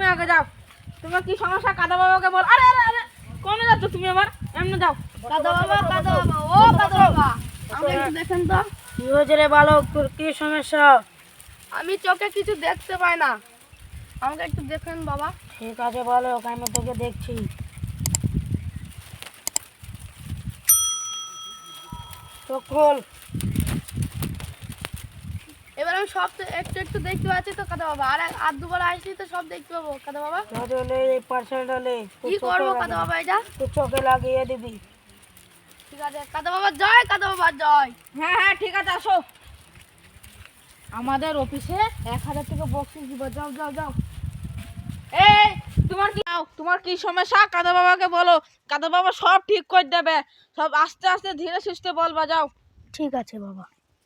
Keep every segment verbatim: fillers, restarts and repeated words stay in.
আগে যাও। তোমার কি সমস্যা কাদা বাবাকে বল। আরে আরে আরে কোনে যাচ্ছ তুমি? আমার এমনি যাও। কাদা বাবা, কাদা বাবা, ও কাদা বাবা, আমাকে একটু দেখেন তো। কি হয়েছে রে বালক, তোর কি সমস্যা? আমি চোখে কিছু দেখতে পাই না, আমাকে একটু দেখেন বাবা। ঠিক আছে বালক, আমি তোকে দেখছি। চোখ খোল। এবার আমি সব তো একটু একটু দেখতে পাচ্ছি তো কাদা বাবা, আর আর দুবার আসছি তো সব দেখতে পাবো কাদা বাবা। তাহলে এই পার্সেলটা লে, কি করবো কাদা বাবা এটা? তুই চোখে লাগিয়ে দিবি। ঠিক আছে কাদা বাবা জয়, কাদা বাবা জয়। হ্যাঁ হ্যাঁ ঠিক আছে, আসো। আমাদের অফিসে এক হাজার টাকা বক্সিস দিব। যাও যাও যাও। এই তোমার কি তোমার কি সমস্যা কাদা বাবাকে বলো। কাদা বাবা সব ঠিক করে দেবে। সব আস্তে আস্তে ধীরে সুস্থে বলবা। যাও। ঠিক আছে বাবা।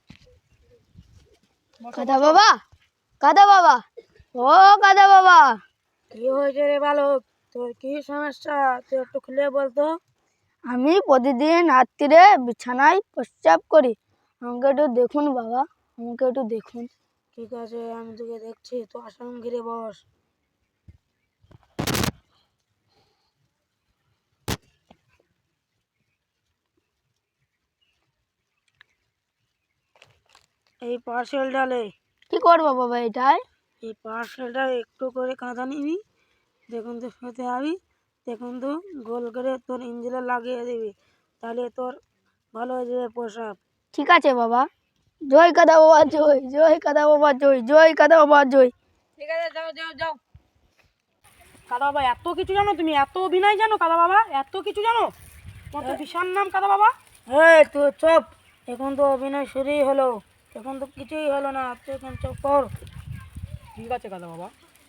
কাদা বাবা, কাদা বাবা, ও কাদা বাবা। কি হয়েছে রে বালক, তোর কি সমস্যা? তুই একটু খুলে বলতো। আমি প্রতিদিন রাত্রিরে বিছানায় প্রস্রাব করি, আমাকে একটু দেখুন বাবা, আমাকে একটু দেখুন। ঠিক আছে, আমি তোকে দেখছি। তো আসন ঘিরে বস। এই পার্সেলটা লে। কি করবো বাবা এটাই? এই পার্সেলটা একটু করে কাঁথা নিবি, দেখুন তো শুতে আবি, দেখুন তো গোল করে তোর ইঞ্জিনে লাগিয়ে দিবি, তাহলে তোর ভালো হয়ে যাবে প্রসাব। ঠিক আছে বাবা। জয় কাদা বাবা জয়, জয় কাদা বাবা জয়, জয় কাদা বাবা জয়। ঠিক আছে, যাও যাও যাও। কাদা বাবা এত কিছু জানো তুমি? এত অভিনয় জানো কাদা বাবা? এত কিছু জানো? তোমার তো বিশাল নাম কাদা বাবা। এই তুই চুপ, এখন তো অভিনয় শুরুই হলো, এখন তো কিছুই হলো না, তুই এখন চুপ কর। ঠিক আছে কাদা বাবা।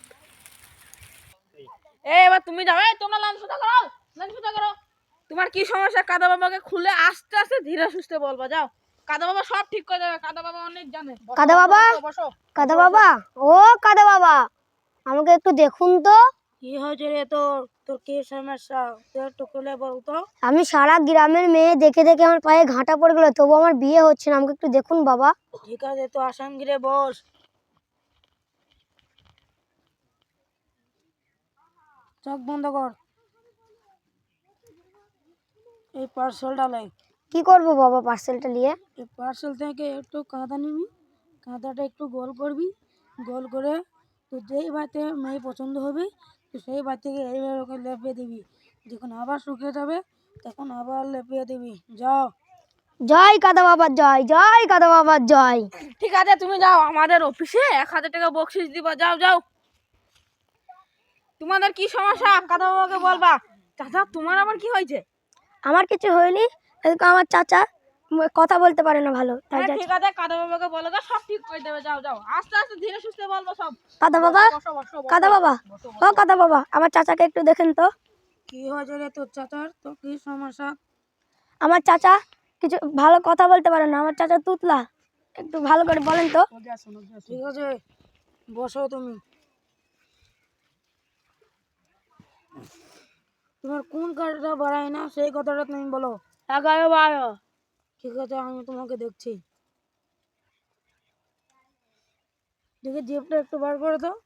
এই এবার তুমি যাও। এই তোমরা লাইন সোজা করো, লাইন সোজা করো। তোমার কি সমস্যা কাদা বাবাকে খুলে আস্তে আস্তে ধীরে সুস্থে বলবা। যাও। কাদা বাবা সব ঠিক করে দেবে, কাদা বাবা অনেক জানে। কাদা বাবা, বসো। কাদা বাবা, ও কাদা বাবা, আমাকে একটু দেখুন তো। কি হয়েছে রে তোর? তোর কি সমস্যা তুই একটু খুলে বলতো। আমি সারা গ্রামের মেয়ে দেখে দেখে আমার পায়ে ঘাঁটা পড়ে গেল, তবু আমার বিয়ে হচ্ছে না, আমাকে একটু দেখুন বাবা। ঠিক আছে, তো আসন ঘিরে বস। চোখ বন্ধ কর। এই পার্সেলটা লাই। কি করব বাবা পার্সেলটা নিয়ে? এই পার্সেল থেকে একটু কাঁথা নিবি, কাঁথাটা একটু গোল করবি, গোল করে তো যেই বাড়িতে মেয়ে পছন্দ হবে তো সেই বাড়ি থেকে এইভাবে ওকে লেপিয়ে দিবি। যখন আবার শুকিয়ে যাবে তখন আবার লেপিয়ে দিবি। যাও। জয় কাদা বাবা জয়, জয় কাদা বাবা জয়। ঠিক আছে তুমি যাও, আমাদের অফিসে এক হাজার টাকা বকশিস দিবা। যাও যাও। তোমাদের কি সমস্যা কাদা বাবাকে বলবা। চাচা তোমার আবার কি হয়েছে? আমার কিছু হয়নি, এদিকে আমার চাচা ম- কথা বলতে পারে না ভালো, তাই হ্যাঁ যাচ্ছি। ঠিক আছে, কাদা বাবাকে বলো গো, সব ঠিক করে দেবে। যাও যাও, আস্তে আস্তে ধীরে সুস্থে বলবো সব। কাদা বাবা, বসো বসো বসো। কাদা বাবা, বসো, ও বসো। কাদা বাবা, আমার চাচাকে একটু দেখেন তো। কি হয়েছে রে তোর চাচার? তো কি সমস্যা? আমার চাচা কিছু ভালো কথা বলতে পারে না, আমার চাচা তুতলা, একটু ভালো করে বলেন তো। ঠিক আছে, বসো তুমি। তোমার কোন কাজটা বাড়ায় না সেই কথাটা তুমি বলো। এগারো বারো। ঠিক আছে, আমি তোমাকে দেখছি। দেখে জিপটা একটু বার করে দাও।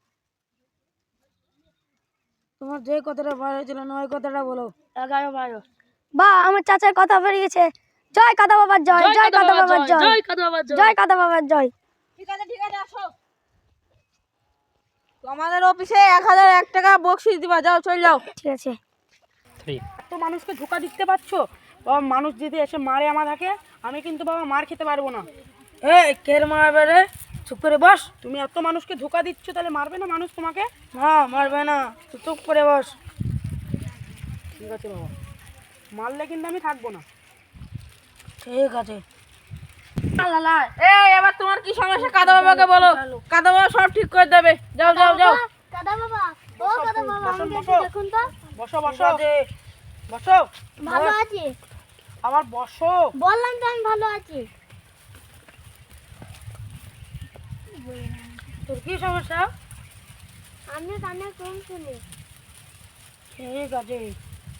তোমার যে কথাটা বার হয়েছিল না ওই কথাটা বলো। এগারো বারো। বা আমার চাচার কথা বেরিয়ে গেছে। জয় কাদা বাবার জয়, জয় কাদা বাবার জয়, জয় কাদা বাবা জয়। জয় কাদা বাবার জয়। ঠিক আছে ঠিক আছে, আসো। তো আমাদের অফিসে এক হাজার এক টাকা বকশিস দিবা। যাও চলে যাও। ঠিক আছে। তো মানুষকে ধোকা দিতে পারছো বাবা? মানুষ যদি এসে মারে আমাদেরকে, আমি কিন্তু বাবা মার খেতে পারবো না। এই কের মারবে রে? চুপ করে বস। তুমি এত মানুষকে ধোকা দিচ্ছ, তাহলে মারবে না মানুষ তোমাকে? না মারবে না, তুই চুপ করে বস। ঠিক আছে বাবা, মারলে কিন্তু আমি থাকবো না। ঠিক আছে। এই এবার তোমার কি সমস্যা কাদা বাবাকে বলো, কাদা বাবা সব ঠিক করে দেবে। যাও যাও যাও। কাদা বাবা, ও কাদা বাবা, আমাকে একটু দেখুন তো। বসো বসো বসো। ভালো আছি, আবার বসো। বললাম তো আমি ভালো আছি। তোর কি সমস্যা? আমি কানে কম শুনি। ঠিক আছে,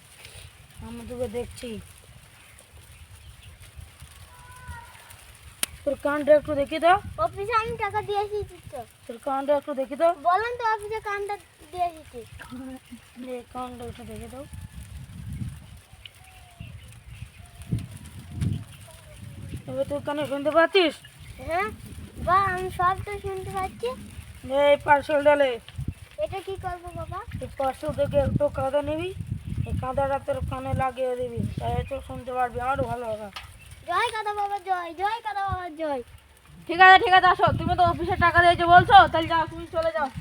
আমি তোকে দেখছি। তোর কানটা একটু দেখি তো। অফিসে আমি টাকা দিয়ে এসেছি তো। তোর কানটা একটু দেখি তো। বলেন তো অফিসে কানটা দিয়ে এসেছি। এই কানটা একটু দেখে দাও। এবার তুই কানে শুনতে পাচ্ছিস? হ্যাঁ বা আমি সব তো শুনতে পাচ্ছি। এই পার্সেল ডালে এটা কি করবো বাবা? এই পার্সেল থেকে একটু কাদা নিবি, এই কাদাটা তোর কানে লাগিয়ে দিবি, তাই তো শুনতে পারবি, আরও ভালো হবে। জয় কাদা বাবা জয়, জয় কাদা বাবা জয়। ঠিক আছে ঠিক আছে, আসো। তুমি তো অফিসে টাকা দিয়েছো বলছো, তাহলে যাও, তুমি চলে যাও।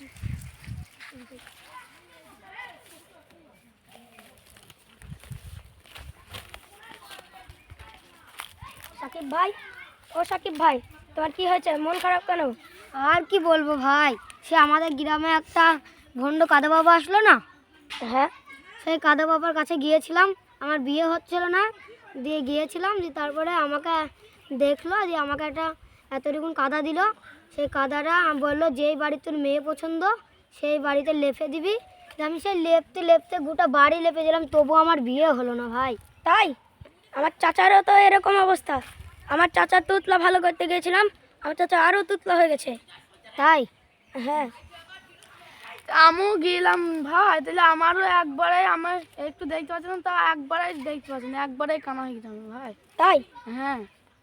সাকিব ভাই, ও সাকিব ভাই, তোমার কি হয়েছে? মন খারাপ কেন? আর কি বলবো ভাই, সে আমাদের গ্রামে একটা ভণ্ড কাদা বাবা আসলো না। হ্যাঁ, সেই কাদা বাবার কাছে গিয়েছিলাম, আমার বিয়ে হচ্ছিল না, দিয়ে গিয়েছিলাম, দিয়ে তারপরে আমাকে দেখলো, দিয়ে আমাকে একটা এতটুকুন কাদা দিল। সেই কাদাটা বললো যেই বাড়ি তোর মেয়ে পছন্দ সেই বাড়িতে লেপে দিবি। দিয়ে আমি সেই লেপতে লেপতে গোটা বাড়ি লেপে দিলাম, তবু আমার বিয়ে হলো না ভাই। তাই আমার চাচারও তো এরকম অবস্থা। আমার চাচার তুতলা ভালো করতে গিয়েছিলাম, আমার চাচা আরও তুতলা হয়ে গেছে। তাই হ্যাঁ, আমিও গেলাম ভাই, তাহলে আমারও একবারে, আমার একটু দেখতে পাচ্ছি না, তা একবারে দেখতে পাচ্ছি না, একবারে কানা হয়ে গেছিলাম ভাই। তাই হ্যাঁ।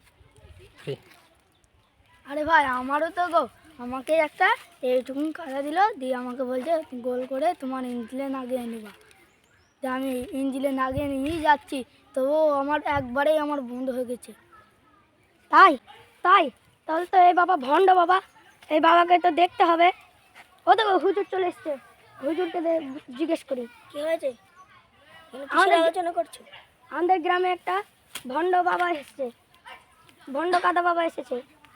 আরে ভাই আমারও তো গো, আমাকে একটা এইটুকুন কাদা দিল, দিয়ে আমাকে বলছে গোল করে তোমার ইঞ্জিলে নাগিয়ে নিবা। যে আমি ইঞ্জিলে নাগিয়ে নিয়েই যাচ্ছি, তবুও আমার একবারেই আমার বন্ধ হয়ে গেছে। তাই তাই তাহলে তো এই বাবা ভণ্ড বাবা, এই বাবাকে তো দেখতে হবে। ও তো হুজুর চলে এসছে, হুজুরকে দে- জিজ্ঞেস করি কি হয়েছে। আমাদের আলোচনা করছো? আমাদের গ্রামে একটা ভণ্ড বাবা এসেছে, ভণ্ড কাদা বাবা এসেছে।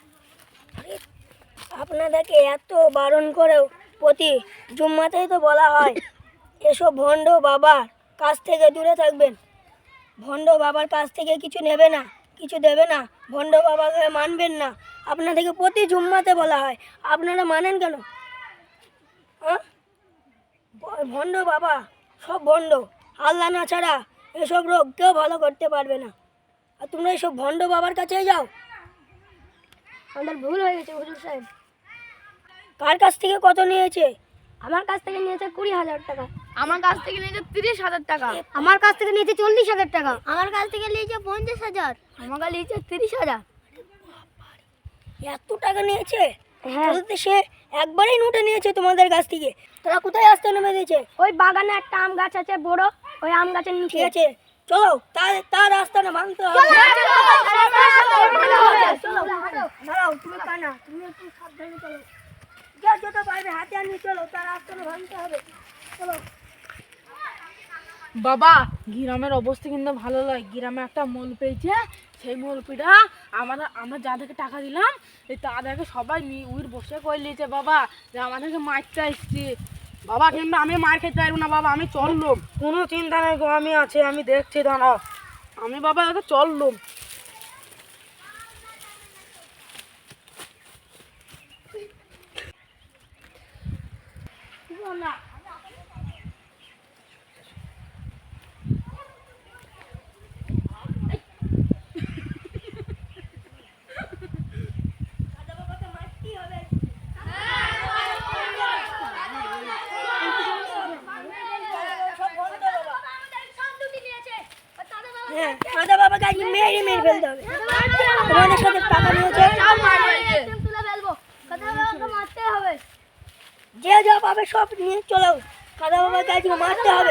আপনাদেরকে এত বারণ করেও প্রতি জুম্মাতেই তো বলা হয় এসব ভণ্ড বাবার কাছ থেকে দূরে থাকবেন। ভণ্ড বাবার কাছ থেকে কিছু নেবে না, কিছু দেবে না, ভণ্ড বাবাকে মানবেন না। আপনাদেরকে প্রতি জুম্মাতে বলা হয়, আপনারা মানেন কেন? হ্যাঁ, ভণ্ড বাবা সব ভণ্ড, আল্লাহ না ছাড়া এসব রোগ কেউ ভালো করতে পারবে না। আর তোমরা এসব ভণ্ড বাবার কাছেই যাও। আমাদের ভুল হয়ে গেছে হুজুর সাহেব। কার কাছ থেকে কত নিয়েছে? আমার কাছ থেকে নিয়েছে কুড়ি হাজার টাকা। আমার কাছ থেকে নিয়েছে তিরিশ হাজার টাকা। আমার কাছ থেকে নিয়েছে চল্লিশ হাজার টাকা। আমার কাছ থেকে নিয়েছে পঞ্চাশ হাজার। আমার কাছে নিয়েছে তিরিশ হাজার। এত টাকা নিয়েছে? হ্যাঁ, সে একবারেই নোটে নিয়েছে তোমাদের কাছ থেকে। তোরা কোথায় আসতে নেমে দিয়েছে? ওই বাগানে একটা আম গাছ আছে বড়, ওই আম গাছের নিচে। ঠিক আছে, চলো, তার তার রাস্তাটা ভাঙতে হবে। দাঁড়াও, তুমি কানা, তুমি একটু সাবধানে চলো। যা যত পারবে হাতে আনিয়ে চলো, তার রাস্তাটা ভাঙতে হবে। চলো বাবা, গ্রামের অবস্থা কিন্তু ভালো নয়। গ্রামে একটা মল পেয়েছে, সেই মলপিটা আমরা আমরা যাদেরকে টাকা দিলাম, এই তাদেরকে সবাই উইর বসে করে নিয়েছে বাবা, যে আমাদেরকে মারতে আসছে বাবা। কিন্তু আমি মার খেতে পারবো না বাবা, আমি চললুম। কোনো চিন্তা নেই গো, আমি আছি, আমি দেখছি, দাঁড়াও। আমি বাবা এত চললুম। না হ্যাঁ, কাদা বাবাকে আজকে মেরে মেরে ফেলতে হবে। তোমাদের সাথে টাকা নিয়েছে, যে যা পাবে সব নিয়ে চলো। কাদা বাবাকে আজকে মারতে হবে।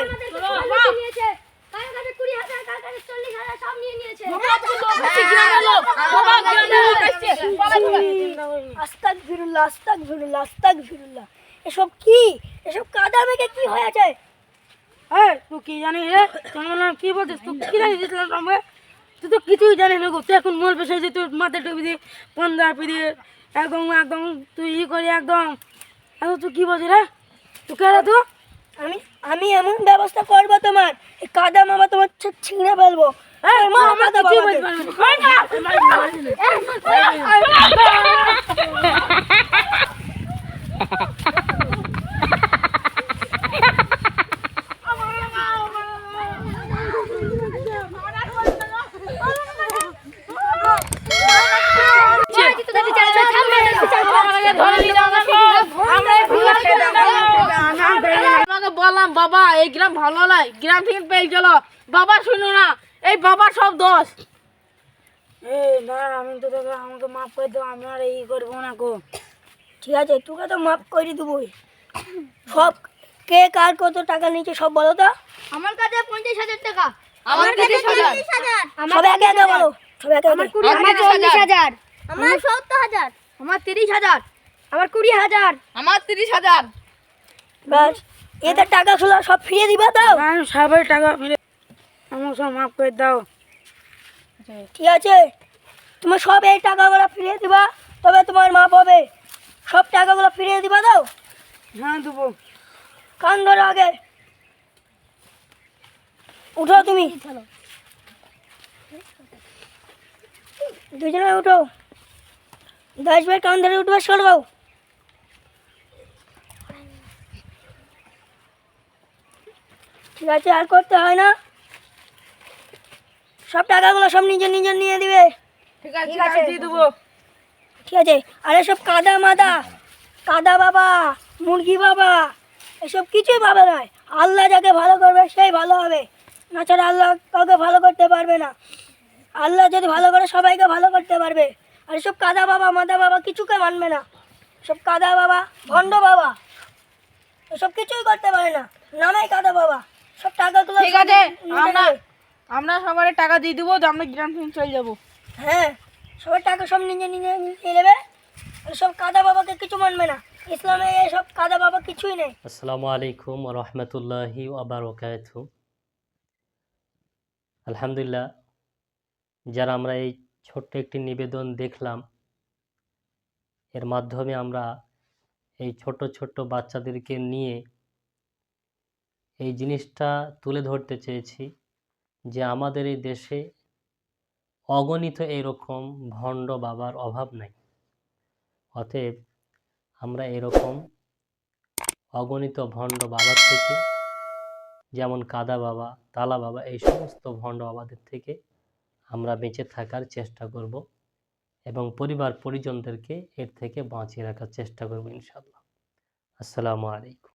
আস্তাক ফিরুল্লাহ, আস্তাক ফিরুল্লাহ, আস্তাক ফিরুল্লাহ। এসব কি? এসব কাদা মেঘে কি হয়েছে? হ্যাঁ, তুই কি জানিস রে? তোমরা কি বলছিস? তুই কি জানিস ইসলাম সম্পর্কে? তুই তো কিছুই জানিস না গো। তুই এখন মল পেশে যে তুই মাথায় টুপি দিয়ে পন্দা দিয়ে একদম একদম তুই ই করি একদম। এখন তুই কি বলছিস রে? তুই কে রে তুই? আমি আমি এমন ব্যবস্থা করবো তোমার, এই কাদা মামা তোমার ছি- ছিঁড়ে ফেলবো। এই, মা, আমরা কাদা কিছুই বাবাকে। বলতে পারবো না। এই গ্রাম ভালো নয়, গ্রাম থেকে পেয়ে চলো। বাবা শুনো না, এই বাবার সব দোষ। এ না, আমি তো তোকে আমাকে মাফ করে দাও, আমি আর এই করবো না গো। ঠিক আছে, তোকে তো মাফ করে দেবোই। সব কে কার কত টাকা নিয়েছে সব বলো তো। আমার কাছে পঞ্চাশ হাজার টাকা। আমার কাছে চল্লিশ হাজার। সব একে একে বলো, সব একে একে। আমার চল্লিশ হাজার। আমার সত্তর হাজার। আমার তিরিশ হাজার। আমার কুড়ি হাজার। আমার তিরিশ হাজার। ব্যাস, এদের টাকা শুলো সব ফিরিয়ে দিবা তো। আমি সবাই টাকা ফিরে, আমাকে সব মাফ করে দাও। ঠিক আছে, তুমি সব এই টাকাগুলো ফিরিয়ে দিবা, তবে তোমার মাপ হবে। সব টাকাগুলো ফিরিয়ে দিবা দাও। হ্যাঁ দেবো। কান ধরো আগে, উঠো তুমি দুজনে উঠো। দশ ভাই কান ধরে উঠবে, সরবাও। ঠিক আছে, আর করতে হয় না। সব টাকাগুলো সব নিজে নিজে নিয়ে দিবে। ঠিক আছে, ঠিক আছে, দিয়ে দেবো। ঠিক আছে, আর এসব কাদা মাদা, কাদা বাবা, মুরগি বাবা, এসব কিছুই পাবে নয়। আল্লাহ যাকে ভালো করবে সেই ভালো হবে, নাছাড়া আল্লাহ কাউকে ভালো করতে পারবে না। আল্লাহ যদি ভালো করে সবাইকে ভালো করতে পারবে। আর এসব কাদা বাবা মাদা বাবা কিছুকে মানবে না। সব কাদা বাবা, ভণ্ড বাবা, এসব কিছুই করতে পারে না, নামেই কাদা বাবা। সব টাকাগুলো ঠিক আছে, নিতে আমরা নেবে। আমরা সবার টাকা দিয়ে দেবো, যে আমরা গ্রাম থেকে চলে যাবো। হ্যাঁ, সবার টাকা সব নিজে নিজে নিয়ে নেবে। এসব কাদা বাবাকে কিছু মানবে না। ইসলামে এসব কাদা বাবা কিছুই নেই। আসসালামু আলাইকুম ওয়া রাহমাতুল্লাহি ওয়া বারাকাতুহু। আলহামদুলিল্লাহ, যারা আমরা এই ছোট্ট একটি নিবেদন দেখলাম, এর মাধ্যমে আমরা এই ছোট ছোট বাচ্চাদেরকে নিয়ে এই জিনিসটা তুলে ধরতে চেয়েছি যে আমাদের এই দেশে অগণিত এরকম ভণ্ড বাবার অভাব নাই। অতএব আমরা এরকম অগণিত ভণ্ড বাবার থেকে, যেমন কাদা বাবা, তালা বাবা, এই সমস্ত ভণ্ড বাবাদের থেকে আমরা বেঁচে থাকার চেষ্টা করব এবং পরিবার পরিজনদেরকে এর থেকে বাঁচিয়ে রাখার চেষ্টা করব ইনশাআল্লাহ। আসসালামু আলাইকুম।